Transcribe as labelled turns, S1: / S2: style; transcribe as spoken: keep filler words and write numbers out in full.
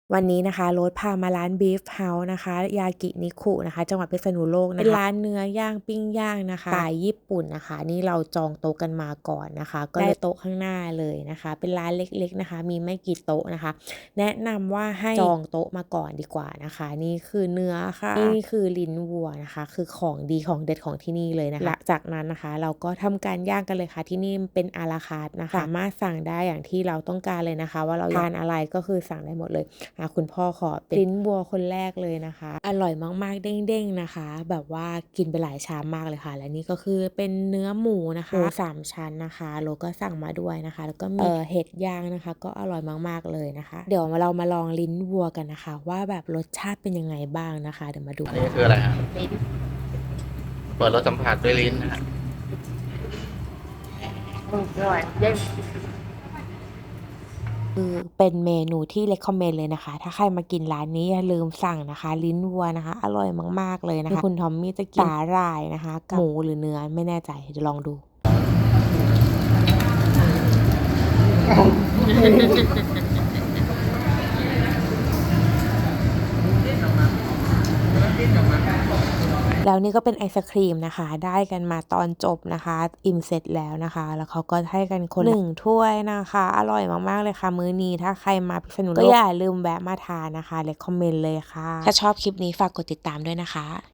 S1: วันนี้นะคะโรสพามาร้าน Beef House นะคะยากินิคุนะคะจังหวัดพิษณุโลกนะคะเป็นร้านเนื้อย่างปิ้งย่างนะคะสไตล์ญี่ปุ่นนะคะนี่เราจองโต๊ะกันมาก่อนนะคะก็ได้โต๊ะข้างหน้าเลยนะคะเป็นร้านเล็กๆนะคะมีไม่กี่โต๊ะนะคะแนะนำว่าให้จองโต๊ะมาก่อนดีกว่านะคะนี่คือเนื้อค่ะนี่คือลิ้นวัวนะคะคือของดีของเด็ดของที่นี่เลยนะคะหลังจากนั้นนะคะเราก็ทำการย่างกันเลยค่ะที่นี่เป็นอาราคาร์ทนะคะสามารถสั่งได้อย่างที่เราต้องการเลยนะคะว่าเราทานอะไรก็คือสั่งได้หมดเลยอ่ะคุณพ่อขอเป็นลิ้นวัวคนแรกเลยนะคะอร่อยมากๆเด้งๆนะคะแบบว่ากินไปหลายชามมากเลยค่ะและนี่ก็คือเป็นเนื้อหมูนะคะหมูสามชั้นนะคะโลก็สั่งมาด้วยนะคะแล้วก็มีเอ่อเห็ดย่างนะคะก็อร่อยมากๆเลยนะคะเดี๋ยวเรามาลองลิ้นวัวกันนะคะว่าแบบรสชาติเป็นยังไงบ้างนะคะเดี๋ยวมาดู
S2: อันนี้คืออะไรฮะเปิดรสสัมผัสด้วยลิ้นนะฮะ
S1: อร่อยเด้งคือเป็นเมนูที่ recommend เลยนะคะถ้าใครมากินร้านนี้อย่าลืมสั่งนะคะลิ้นวัวนะคะอร่อยมากๆเลยนะคะคุณทอมมี่จะกินสาหร่ายนะคะกับหมูหรือเนื้อไม่แน่ใจเดี๋ยวลองดูแล้วนี่ก็เป็นไอศครีมนะคะได้กันมาตอนจบนะคะอิ่มเสร็จแล้วนะคะแล้วเขาก็ให้กันคนหนึ่งถ้วยนะคะอร่อยมากๆเลยค่ะมื้อนี้ถ้าใครมาพิษณุโลกก็อย่าลืมแวะมาทานนะคะ recommend เลยค่ะถ้าชอบคลิปนี้ฝากกดติดตามด้วยนะคะ